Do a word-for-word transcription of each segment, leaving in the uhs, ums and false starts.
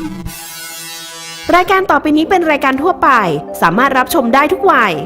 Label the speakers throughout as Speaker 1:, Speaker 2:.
Speaker 1: รายการต่อไปนี้เป็นรายการทั่วไปสามารถรับชมได้ทุกวัย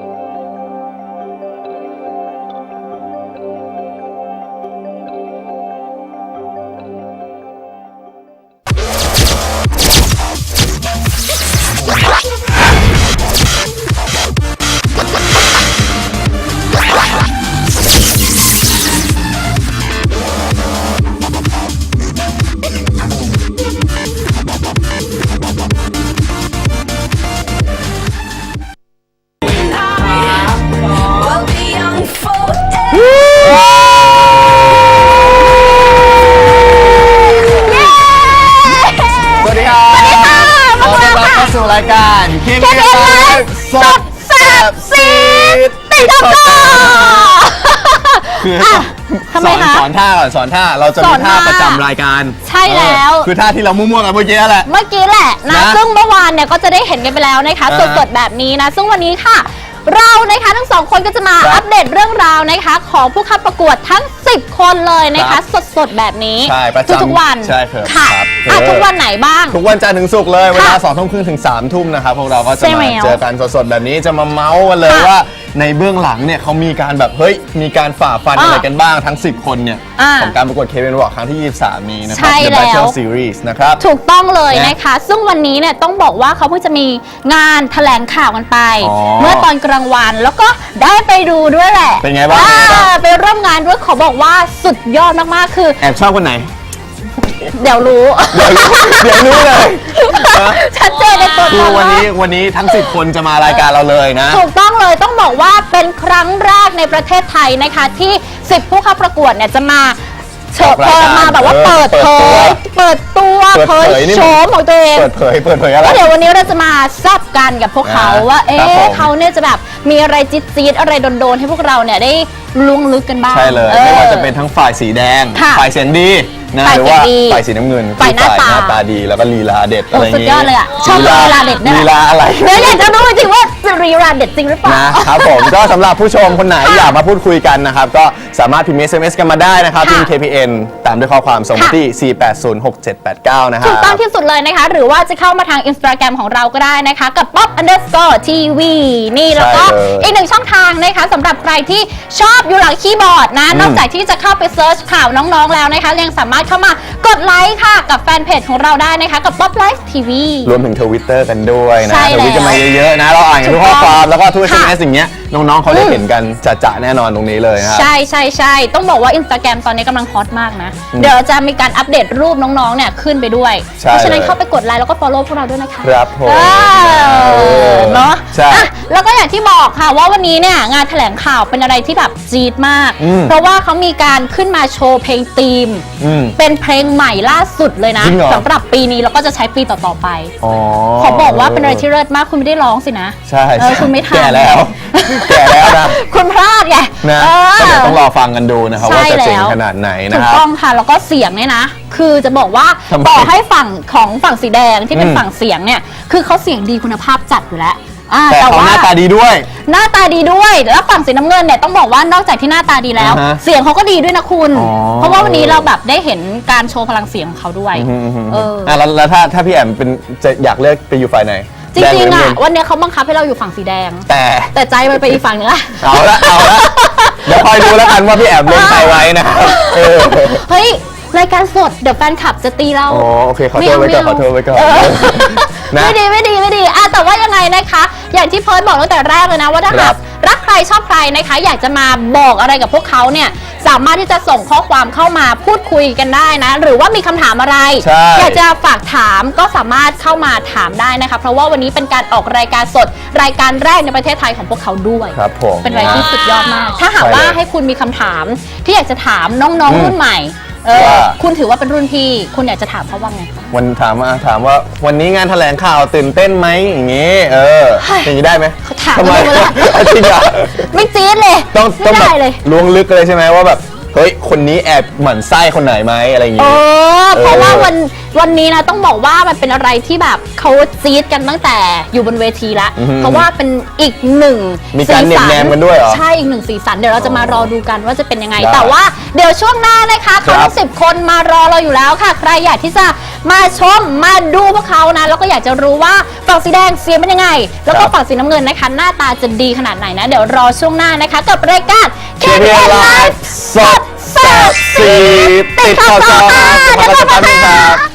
Speaker 2: สู่รายการคิงเกมสดแซ่บซีดติดต่อคือสอนสอนท่าก่อนสอนท่าเราจะมีท่าประจำรายการ
Speaker 3: ใช่แล้ว
Speaker 2: คือท่าที่เรามั่วๆกันเมื่อกี้แหละ
Speaker 3: เมื่อกี้แหละนะซึ่งเมื่อวานเนี่ยก็จะได้เห็นกันไปแล้วนะคะสดๆแบบนี้นะซึ่งวันนี้ค่ะเรานะคะทั้งสองคนก็จะมาอัปเดตเรื่องราวนะคะของผู้เข้าประกวดทั้งสิบคนเลยนะคะสดๆแบบนี้
Speaker 2: ใช่ประจำ
Speaker 3: ทุกวัน
Speaker 2: ใช่ครับ
Speaker 3: ค่ะทุกวันไหนบ้าง
Speaker 2: ทุกวันจันทร์ถึงศุกร์เลยเวลาสองทุ่มครึ่งถึงสามทุ่มนะครับพวกเราก็จะมาเจอกันสดๆแบบนี้จะมาเมาส์กันเลยว่าในเบื้องหลังเนี่ยเขามีการแบบเฮ้ยมีการฝ่าฟันอะไรกันบ้างทั้งสิบคนเนี่ยของการประกวด K-Pop Walk ครั้งที่ยี่สิบสามนี้นะครับ The Battle Series นะครับ
Speaker 3: ถูกต้องเลยนะคะซึ่งวันนี้เนี่ยต้องบอกว่าเขาเพิ่งจะมีงานแถลงข่าวกันไปเมื่อตอนกลางวันแล้วก็ได้ไปดูด้วยแหละ
Speaker 2: เป็นไงบ้าง
Speaker 3: ไปร่วมงานด้วยขอบอกว่าสุดยอดมากๆคือ
Speaker 2: แอบชอบคนไหน
Speaker 3: เดี๋ยวรู้
Speaker 2: เดี๋ยวรู้เดี๋ยวรู้เลย
Speaker 3: ชัดเจนในตัว
Speaker 2: คือวันนี้วันนี้ทั้งสิบคนจะมารายการเราเลยนะ
Speaker 3: ถูกต้องเลยต้องบอกว่าเป็นครั้งแรกในประเทศไทยนะคะที่สิบผู้เข้าประกวดเนี่ยจะมาเชิญมาแบบว่าเปิดเผยเปิดตัวเผยโฉมของตัวเอง
Speaker 2: เปิดเผยเปิดเผยอะไร
Speaker 3: เดี๋ยววันนี้เราจะมาซับกันกับพวกเขาว่าเอ๊ะเขาเนี่ยจะแบบมีอะไรจี๊ดๆอะไรโดนๆให้พวกเราเนี่ยได้ล้วงลึกกันบ้าง
Speaker 2: ใช่เลยไม่ว่าจะเป็นทั้งฝ่ายสีแดงฝ่ายเสียงดีนะหรือว่าฝ่ายสีน้ำเงิน
Speaker 3: ฝ่ายหน้าตา
Speaker 2: หน้าตาดีแล้วก็ลีลาเด็ดอะไรอย่าง
Speaker 3: งี้สุดยอดเลยอ่ะชอบลีลาเด็ด
Speaker 2: ลีลาอะไร
Speaker 3: เนี่ยอยากจะรู้จริงว่าลีลาเด็ดจริงหรือเปล่า
Speaker 2: นะครับผมก็สำหรับผู้ชมคนไหนอยากมาพูดคุยกันนะครับก็สามารถพิมพ์ เอส เอ็ม เอส กันมาได้นะครับพิมพ์ เค พี เอ็น ตามด้วยข้อความส่งมาที่สี่ แปด ศูนย์ หก เจ็ด แปด เก้านะครับ
Speaker 3: ถูกต้องที่สุดเลยนะคะหรือว่าจะเข้ามาทาง Instagram ของเราก็ได้นะคะกับ ป๊อป อันเดอร์สกอร์ ที วี นี่แล้วก็อีกหนึ่งช่องทางนะคะสำหรับใครที่ชอบอยู่หลังคีย์บอร์ดนะนอกจากที่จะเข้าไปเซิร์ชข่าวน้องๆแล้วนะคะยังสามารถเข้ามากดไลค์ค่ะกับแฟนเพจของเราได้นะคะกับ ป๊อป ไลฟ์ ที วี
Speaker 2: รวมถึง ทวิตเตอร์ กันด้วยนะทวิตกันมาเยอะๆนะเราอ่านกันทุกข้อความแล้วก็ทุก เอส เอ็ม เอส อย่างเงี้ยน้องๆเขาได้เห็นกันจะๆแน่นอนตรงนี้เลยครับ
Speaker 3: ใช่ใช่ใช่ต้องบอกว่า Instagram ตอนนี้กำลังฮอตมากนะเดี๋ยวจะมีการอัปเดตรูปน้องๆเนี่ยขึ้นไปด้วยเพราะฉะนั้นเข้าไปกดไลค์แล้วก็ follow พวกเราด้วยนะคะ
Speaker 2: ครับผม
Speaker 3: เนาะ
Speaker 2: ใช่
Speaker 3: แล้วก็อย่างที่บอกค่ะว่าวันนี้เนี่ยงานแถลงข่าวเป็นอะไรที่แบบจี๊ดมากเพราะว่าเขามีการขึ้นมาโชว์เพลงธีมเป็นเพลงใหม่ล่าสุดเลยนะสำหรับปีนี้แล้วก็จะใช้ปีต่อๆไปขอบอกว่าเป็นอะไรที่เลิศมากคุณไม่ได้ร้องสินะ
Speaker 2: ใช่
Speaker 3: คุณไม่ทัน
Speaker 2: แก่แล้วแก่แล้วนะ
Speaker 3: คุณพลาดไง
Speaker 2: นะก็เดี๋ยวต้องรอฟังกันดูนะครับว่าจะเจ๋งขนาดไหนนะครับ
Speaker 3: ถูกต้องค่ะแล้วก็เสียงเนี่ยนะคือจะบอกว่าต่อให้ฝั่งของฝั่งสีแดงที่เป็นฝั่งเสียงเนี่ยคือเขาเสียงดีคุณภาพจัดอยู่แล้ว
Speaker 2: แต่เขาหน้าตาดีด้วย
Speaker 3: หน้าตาดีด้วยแล้วฝั่งสีน้ำเงินเนี่ยต้องบอกว่านอกจากที่หน้าตาดีแล้วเสียงเขาก็ดีด้วยนะคุณเพราะว่าวันนี้เราแบบได้เห็นการโชว์พลังเสียงของเขาด้วย
Speaker 2: เออแล้วถ้าถ้าพี่แอมเป็นจะอยากเลือกไปอยู่ฝ่ายไหน
Speaker 3: จริงๆอ่ะวันนี้เขาบังคับให้เราอยู่ฝั่งสีแดง
Speaker 2: แต่
Speaker 3: แต่ใจมันไปอีกฝั่งนึงละ
Speaker 2: เอาละเอาละเดี๋ยวคอยดูแล้วกันว่าพี่แอมเล่นใครไว้นะ
Speaker 3: เฮ้ยรายการสดเดี๋ยวแฟนคลับจะตีเรา
Speaker 2: อ๋อโอเคขอโทษไว้ก่อนขอโทษไว้ก่อน
Speaker 3: ไม่ดีไม่ดีไม่ดีอ่ะแต่ว่ายังไงนะคะอย่างที่เพิร์ทบอกตั้งแต่แรกเลยนะว่าถ้าหากรักใครชอบใครนะคะอยากจะมาบอกอะไรกับพวกเขาเนี่ยสามารถที่จะส่งข้อความเข้ามาพูดคุยกันได้นะหรือว่ามีคำถามอะไรอยากจะฝากถามก็สามารถเข้ามาถามได้นะคะเพราะว่าวันนี้เป็นการออกรายการสดรายการแรกในประเทศไทยของพวกเขาด้วย
Speaker 2: ครับผม
Speaker 3: เป็นอะไรที่สุดยอดมากถ้าหากว่าให้คุณมีคำถามที่อยากจะถามน้องๆรุ่นใหม่เออคุณถือว่าเป็นรุ่นพี่คุณอยากจะถามเขาว่าไง
Speaker 2: วันถามว่าถามว่าวันนี้งานแถลงข่าวตื่นเต้นไหมอย่างงี้เอออย่างนี้ได้ไหม
Speaker 3: เขาถามมาเลย
Speaker 2: จริงเหรอ
Speaker 3: ไม่จี๊ดเลย
Speaker 2: ต้องต้องแบบล้วงลึกเลยใช่ไหมว่าแบบเฮ้ยคนนี้แอบหมั่นไส้คนไหนไหมอะไรอย่างงี้
Speaker 3: เออเพราะว่าวันวันนี้นะต้องบอกว่ามันเป็นอะไรที่แบบเขาจี๊ดกันตั้งแต่อยู่บนเวทีแล้ว
Speaker 2: อือฮึ
Speaker 3: เพราะว่าเป็นอีกหนึ่ง
Speaker 2: มีการ
Speaker 3: สีสั
Speaker 2: เน็บแนมกันด้วยเหรอ
Speaker 3: ใช่อีกหนึ่งสีสันเดี๋ยวเราจะมารอดูกันว่าจะเป็นยังไง
Speaker 2: ได้
Speaker 3: แต่ว่าเดี๋ยวช่วงหน้านะคะเขา
Speaker 2: ครั
Speaker 3: ทั้
Speaker 2: บ
Speaker 3: งสิบคนมารอเราอยู่แล้วค่ะ ใครอยากที่จะมาชมมาดูพวกเขานะแล้วก็อยากจะรู้ว่าฝั่งสีแดงเสียงเป็นยังไง แล้วก็ฝั่งสีน้ำเงินนะคะหน้าตาจะดีขนาดไหนนะเดี๋ยวรอช่วงหน้านะคะกับรายการ
Speaker 2: เค พี เอ็น Live สดแซ่บสีติดข่าวจอครับ
Speaker 3: เดี๋ยวกลับมา
Speaker 2: ครับ
Speaker 3: ค่ะ